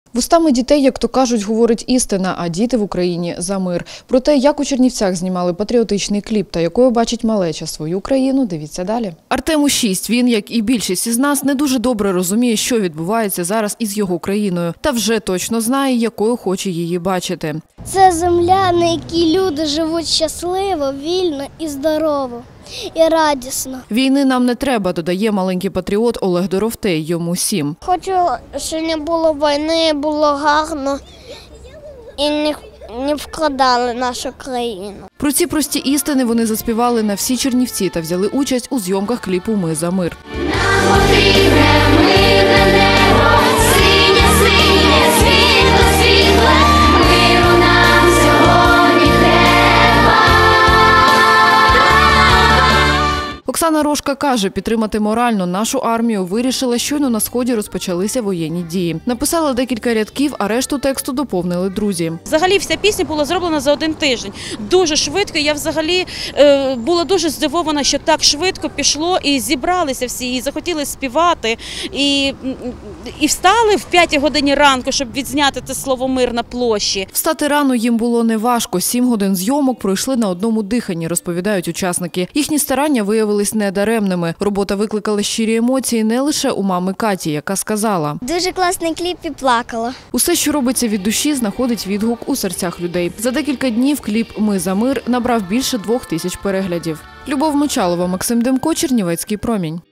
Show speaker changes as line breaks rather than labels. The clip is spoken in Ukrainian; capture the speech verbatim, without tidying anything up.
Вустами дітей, як то кажуть, говорить істина, а діти в Україні – за мир. Про те, як у Чернівцях знімали патріотичний кліп та якою бачить малеча свою країну, дивіться далі. Артему шість. Він, як і більшість із нас, не дуже добре розуміє, що відбувається зараз із його країною. Та вже точно знає, якою хоче її бачити.
Це земля, на якій люди живуть щасливо, вільно і здорово. І радісно.
Війни нам не треба, додає маленький патріот Олег Доровтей, йому сім.
Хочу, щоб не було війни, було гарно і не, не вкладали нашу країну.
Про ці прості істини вони заспівали на всі Чернівці та взяли участь у зйомках кліпу «Ми за мир».
Нам потрібне мирне небо, синє, синє, світло, світле, миру нам сьогодні треба.
Оксана Рожка каже, підтримати морально нашу армію вирішила, щойно на Сході розпочалися воєнні дії. Написала декілька рядків, а решту тексту доповнили друзі.
Взагалі вся пісня була зроблена за один тиждень. Дуже швидко. Я взагалі е, була дуже здивована, що так швидко пішло і зібралися всі, і захотіли співати, і, і встали в п'ятій годині ранку, щоб відзняти це слово «мир» на площі.
Встати рано їм було неважко. Сім годин зйомок пройшли на одному диханні, розповідають учасники. Їхні старання виявились недаремними. Робота викликала щирі емоції не лише у мами Каті, яка сказала:
Дуже класний кліп і плакала.
усе, що робиться від душі, знаходить відгук у серцях людей. За декілька днів кліп «Ми за мир» набрав більше двох тисяч переглядів. Любов Мочалова, Максим Демко, Чернівецький промінь.